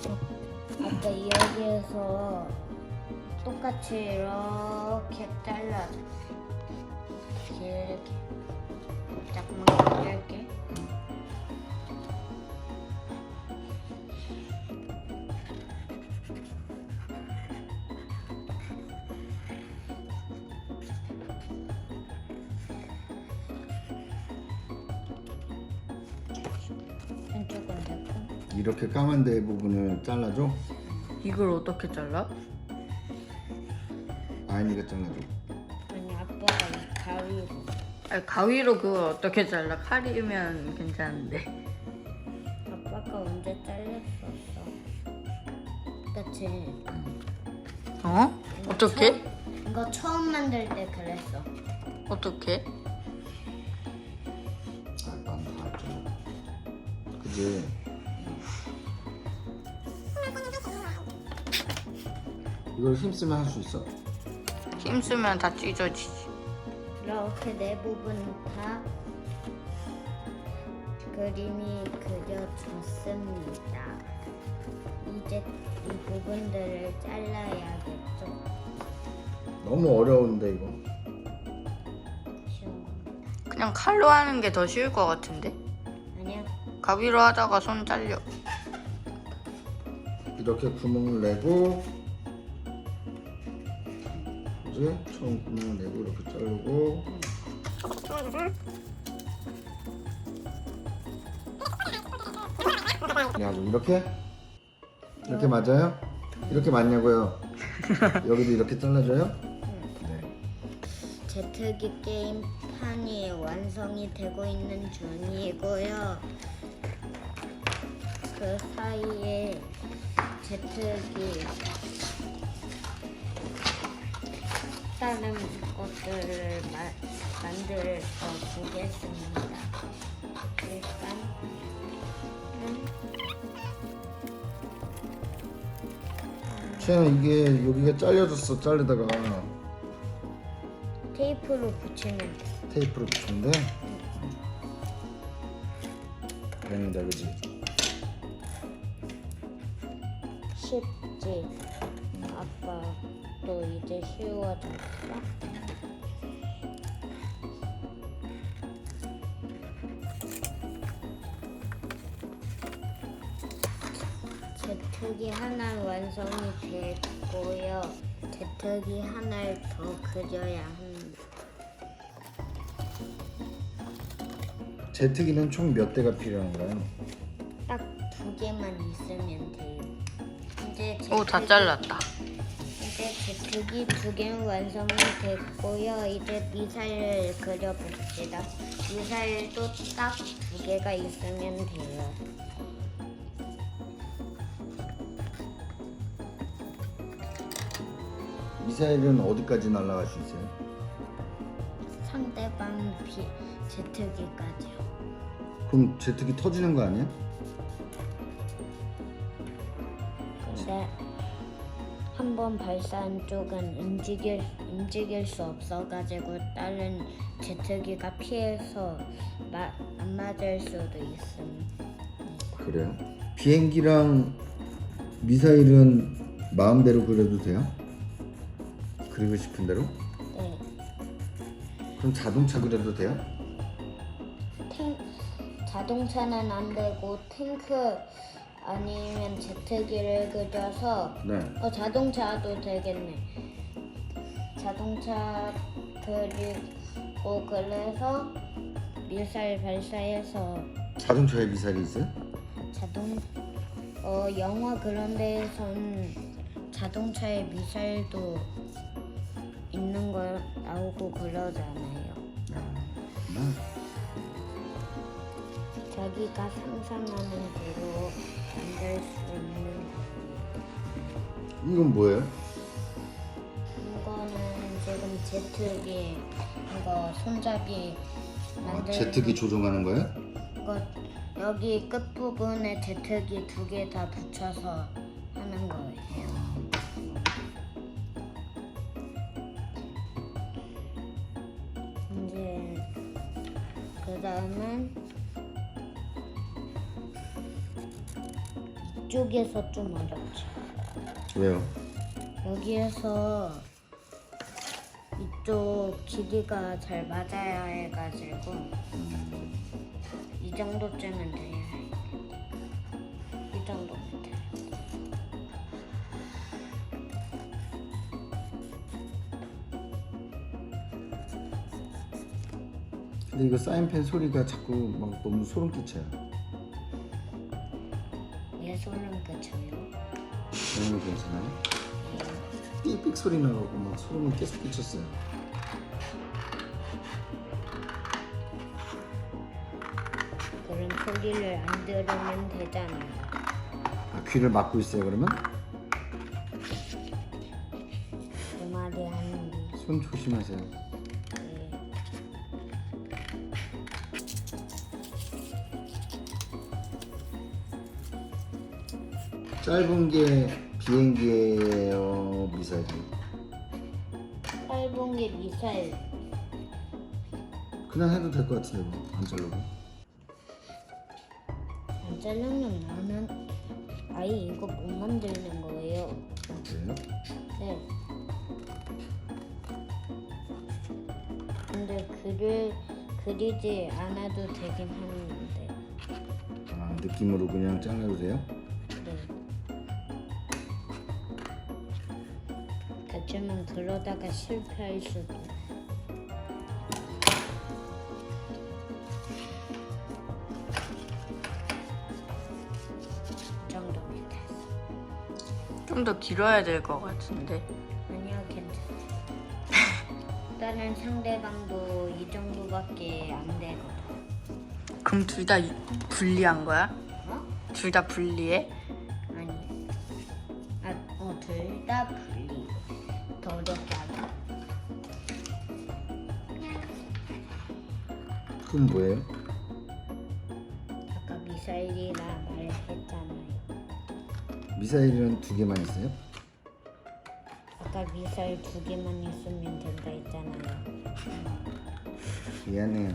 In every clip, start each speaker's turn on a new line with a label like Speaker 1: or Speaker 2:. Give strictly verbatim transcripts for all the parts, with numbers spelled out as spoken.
Speaker 1: 아까 여기에서 똑같이 이렇게 잘라줘. 이렇게 조금만 이렇게. 한쪽은 됐고.
Speaker 2: 이렇게 까만 데 부분을 잘라줘?
Speaker 3: 이걸 어떻게 잘라?
Speaker 2: 아이니가 잘라줘.
Speaker 1: 아니 아빠가 가위로.
Speaker 3: 아니, 가위로 그걸 어떻게 잘라? 칼이면 괜찮은데.
Speaker 1: 아빠가 언제 잘렸었어? 그치?
Speaker 3: 어? 어떻게?
Speaker 1: 처음, 이거 처음 만들 때 그랬어.
Speaker 3: 어떻게?
Speaker 2: 아빠는 다 알죠. 그지? 이걸 힘쓰면 할 수 있어?
Speaker 3: 힘쓰면 다 찢어지지.
Speaker 1: 이렇게 네 부분 다 그림이 그려졌습니다. 이제 이 부분들을 잘라야겠죠?
Speaker 2: 너무 어려운데 이거.
Speaker 1: 쉬워.
Speaker 3: 그냥 칼로 하는 게 더 쉬울 것 같은데?
Speaker 1: 아니야.
Speaker 3: 가위로 하다가 손 잘려.
Speaker 2: 이렇게 구멍을 내고, 그지? 처음 구멍을 내고 이렇게 자르고. 그래가지고 이렇게? 이렇게 맞아요? 이렇게 맞냐고요? 여기도 이렇게 잘라줘요? 네.
Speaker 1: 제트기 게임판이 완성이 되고 있는 중이고요. 그 사이에 제트기 다른 것들을 마, 만들어 보겠습니다. 일단 음,
Speaker 2: 쟤는 이게 여기가 잘려졌어. 자르다가
Speaker 1: 테이프로 붙이면 돼.
Speaker 2: 테이프로 붙이는데 그랬는데 그지?
Speaker 1: 쉽지. 아빠 또 이제 쉬워졌어. 제트기 하나 완성이 됐고요. 제트기 하나를 더 그려야 합니다.
Speaker 2: 제트기는 총 몇 대가 필요한가요?
Speaker 1: 딱 두 개만 있으면 돼요. 이제
Speaker 3: 오, 다
Speaker 1: 제트기-
Speaker 3: 잘랐다.
Speaker 1: 이제 제트기 두 개는 완성이 됐고요. 이제 미사일을 그려봅시다. 미사일도 딱 두 개가 있으면 돼요.
Speaker 2: 미사일은 어디까지 날아갈 수 있어요?
Speaker 1: 상대방 비 제트기까지요.
Speaker 2: 그럼 제트기 터지는 거 아니야?
Speaker 1: 근데 한 번 발사한 쪽은 움직일 움직일 수 없어가지고 다른 제트기가 피해서 마, 안 맞을 수도 있습니다.
Speaker 2: 그래요? 비행기랑 미사일은 마음대로 그려도 돼요? 그리고 싶은 대로?
Speaker 1: 네.
Speaker 2: 그럼 자동차 그려도 돼요?
Speaker 1: 탱 자동차는 안 되고 탱크 아니면 제트기를 그려서
Speaker 2: 네.
Speaker 1: 어 자동차도 되겠네. 자동차 그리고 그래서 미사일 발사해서
Speaker 2: 자동차에 미사일이 있어요?
Speaker 1: 자동 어 영화 그런 데에선 자동차에 미사일도 있는 거 나오고 그러잖아요.
Speaker 2: 아,
Speaker 1: 자기가 상상하는 대로 만들 수 있는
Speaker 2: 이건 뭐예요?
Speaker 1: 이거는 지금 제트기 이거 손잡이
Speaker 2: 아,
Speaker 1: 만들
Speaker 2: 제트기 조종하는 거예요?
Speaker 1: 이거 여기 끝 부분에 제트기 두 개 다 붙여서 하는 거예요. 이제 그 다음은 이쪽에서 좀 어렵지.
Speaker 2: 왜요?
Speaker 1: 여기에서 이쪽 길이가 잘 맞아야 해가지고 이 정도쯤은 돼야 해. 이 정도면 돼.
Speaker 2: 근데 이거 사인펜 소리가 자꾸 막 너무 소름 끼쳐요.
Speaker 1: 왜 소름 끼쳐요?
Speaker 2: 그런 거 괜찮아요? 삑삑 소리 나고 막 소름이 계속 끼쳤어요.
Speaker 1: 그런 소리를 안 들으면 되잖아요.
Speaker 2: 아, 귀를 막고 있어요 그러면?
Speaker 1: 그 말이 하는 게.
Speaker 2: 손 조심하세요.
Speaker 1: 네.
Speaker 2: 짧은 게 비행기예요, 미사일이에요?
Speaker 1: 짧은 게 미사일.
Speaker 2: 그냥 해도 될 것 같은데 뭐, 안 자르고.
Speaker 1: 안 자르면 나는 아예 이거 못 만들는 거예요.
Speaker 2: 그래요?
Speaker 1: 네. 근데 글을 그리지 않아도 되긴 하는데.
Speaker 2: 아, 느낌으로 그냥 잘라도 돼요?
Speaker 1: 네. 그렇지만 그러다가 실패할 수도. 이 정도면 됐어.
Speaker 3: 좀 더 길어야 될 것 같은데.
Speaker 1: 아니야, 괜찮아. 다른 상대방도 이 정도밖에 안 되거든.
Speaker 3: 그럼 둘 다 분리한 거야?
Speaker 1: 어?
Speaker 3: 둘 다 분리해?
Speaker 1: 아니. 아, 어, 둘 다 분리. 더 어렵게 하자.
Speaker 2: 그건 뭐예요?
Speaker 1: 아까 미사일이라 말했잖아요.
Speaker 2: 미사일은 두 개만 있어요?
Speaker 1: 아까 미사일 두 개만 있으면 된다 했잖아요.
Speaker 2: 미안해요.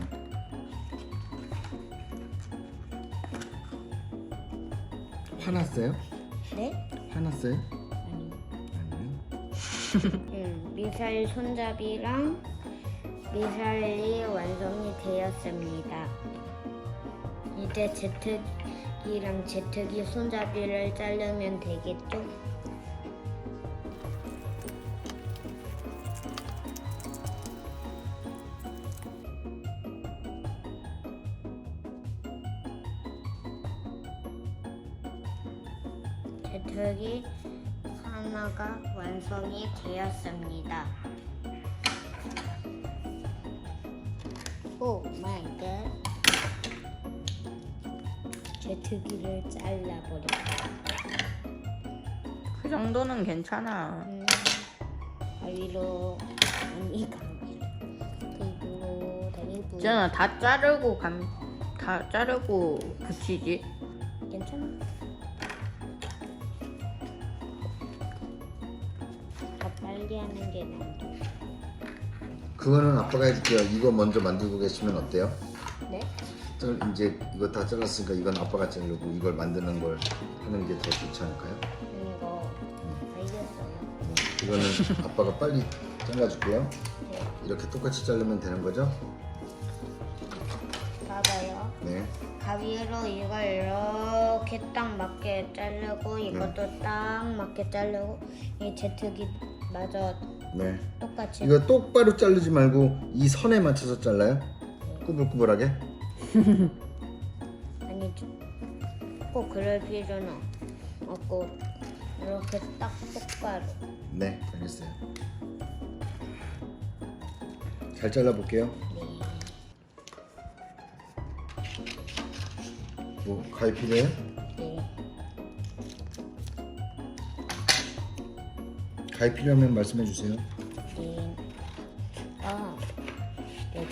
Speaker 2: 화났어요?
Speaker 1: 네?
Speaker 2: 화났어요?
Speaker 1: 아니.
Speaker 2: 아니요.
Speaker 1: 음, 미사일 손잡이랑 미사일이 완성이 되었습니다. 이제 제트기랑 제트기 손잡이를 자르면 되겠죠? 제트기 하나가 완성이 되었습니다. 오 마이 갓. 제트기를 잘라버렸다.
Speaker 3: 그 정도는 괜찮아.
Speaker 1: 음, 가위로 아니 가위로 그리고 대구
Speaker 3: 있잖아, 다 자르고 감, 다 자르고 붙이지.
Speaker 1: 괜찮아? 더 빨리 하는 게 나도.
Speaker 2: 그거는 아빠가 해줄게요. 이거 먼저 만들고 계시면 어때요?
Speaker 1: 네?
Speaker 2: 짤- 이제 이거 다 잘랐으니까 이건 아빠가 자르고 이걸 만드는 걸 하는 게 더 좋지 않을까요?
Speaker 1: 이거 알겠어요.
Speaker 2: 이거는 아빠가 빨리 잘라줄게요.
Speaker 1: 네.
Speaker 2: 이렇게 똑같이 자르면 되는 거죠?
Speaker 1: 봐봐요.
Speaker 2: 네.
Speaker 1: 가위로 이걸 이렇게 딱 맞게 자르고 이것도 딱 맞게 자르고 이 제트기 마저
Speaker 2: 네.
Speaker 1: 똑같이.
Speaker 2: 이거 똑바로 자르지 말고 이 선에 맞춰서 잘라요? 꾸불꾸불하게?
Speaker 1: 아니 꼭 그럴 필요는 없고 이렇게 딱 똑바로.
Speaker 2: 네, 알겠어요. 잘 잘라볼게요.
Speaker 1: 네.
Speaker 2: 뭐 가위 필요해요?
Speaker 1: 네.
Speaker 2: 가위 필요하면 말씀해 주세요.
Speaker 1: 네. 아, 네.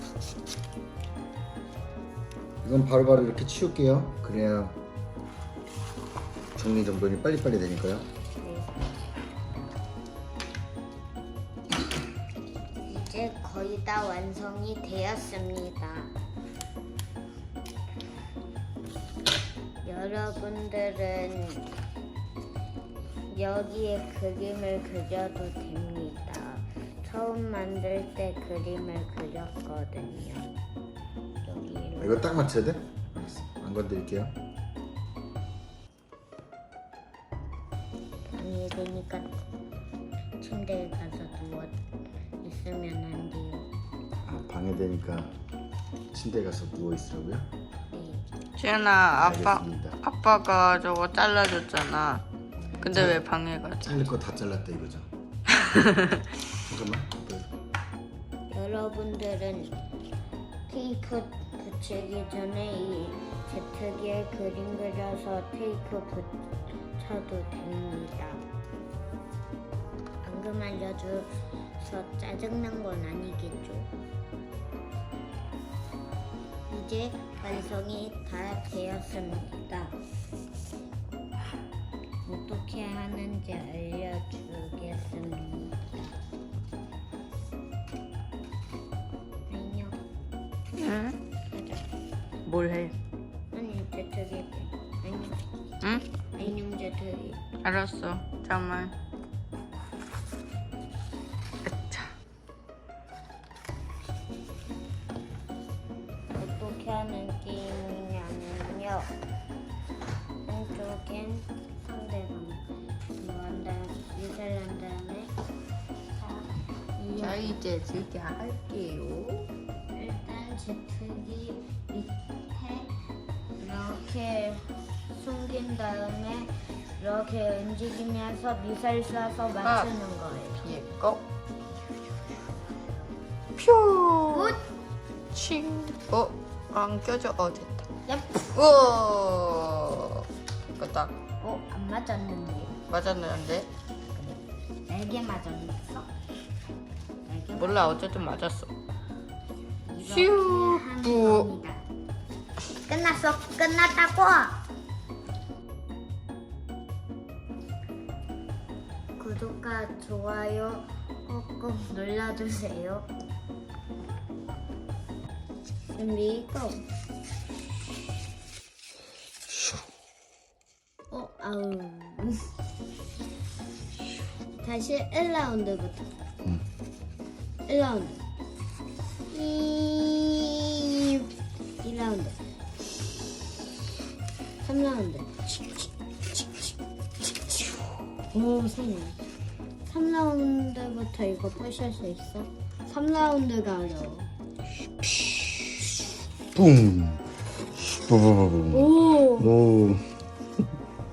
Speaker 2: 이건 바로바로 이렇게 치울게요. 그래야 정리 정돈이 빨리빨리 되니까요.
Speaker 1: 네. 이제 거의 다 완성이 되었습니다. 여러분들은 여기에 그림을 그려도 됩니다. 처음 만들 때 그림을 그렸거든요. 여기로.
Speaker 2: 이거 딱 맞춰야 돼? 알겠어. 안 건드릴게요.
Speaker 1: 방해되니까 침대에 가서 누워 있으면 안 돼요.
Speaker 2: 아, 방해되니까 침대 가서 누워 있으라고요?
Speaker 1: 네.
Speaker 3: 지연아, 아빠
Speaker 2: 알겠습니다.
Speaker 3: 아빠가 저거 잘라줬잖아. 근데 왜 방해가 돼?
Speaker 2: 잘릴 거 다 잘랐다 이거죠? 잠깐만.
Speaker 1: 여러분들은 테이프 붙이기 전에 이 제트기에 그림 그려서 테이프 붙여도 됩니다. 방금 알려줘서 짜증난 건 아니겠죠? 이제 완성이 다 되었습니다. 어떻게 하는지 알려주겠습니다. 안녕.
Speaker 3: 응?
Speaker 1: 가자.
Speaker 3: 뭘 해?
Speaker 1: 아니 제트기. 안녕.
Speaker 3: 응?
Speaker 1: 안녕 제트기.
Speaker 3: 알았어. 잠깐만. 아차.
Speaker 1: 어떻게 하는 게임이냐면요. 한쪽엔 상대방 뭐한 다음에 미사일 한 다음에 자,
Speaker 3: 자, 이제 제가 할게요.
Speaker 1: 일단 제트기 밑에 이렇게 숨긴 다음에 이렇게 움직이면서 미사일 쏴서 맞추는 거예요.
Speaker 3: 뒤에 거. 퓨.
Speaker 1: 굿!
Speaker 3: 칭. 어, 안 껴져. 어, 됐다.
Speaker 1: 얍!
Speaker 3: 우와. 끄딱.
Speaker 1: 어? 안 맞았는데.
Speaker 3: 맞았는데?
Speaker 1: 날개 맞았어? 날개
Speaker 3: 몰라, 어쨌든 맞았어.
Speaker 1: 이렇게
Speaker 3: 슈.
Speaker 1: 하는
Speaker 3: 부.
Speaker 1: 겁니다. 끝났어. 끝났다고. 구독과 좋아요 꾹꾹 눌러주세요. 준비 고. 어, 아우. 다시 일 라운드부터.
Speaker 2: 응.
Speaker 1: 일 라운드. 이, 이 라운드. 삼 라운드. 오, 성공. 삼 라운드부터 이거 부실 수 있어? 삼 라운드가 어려워.
Speaker 2: 뿡. 뿌뿌뿌뿌.
Speaker 1: 오,
Speaker 2: 오.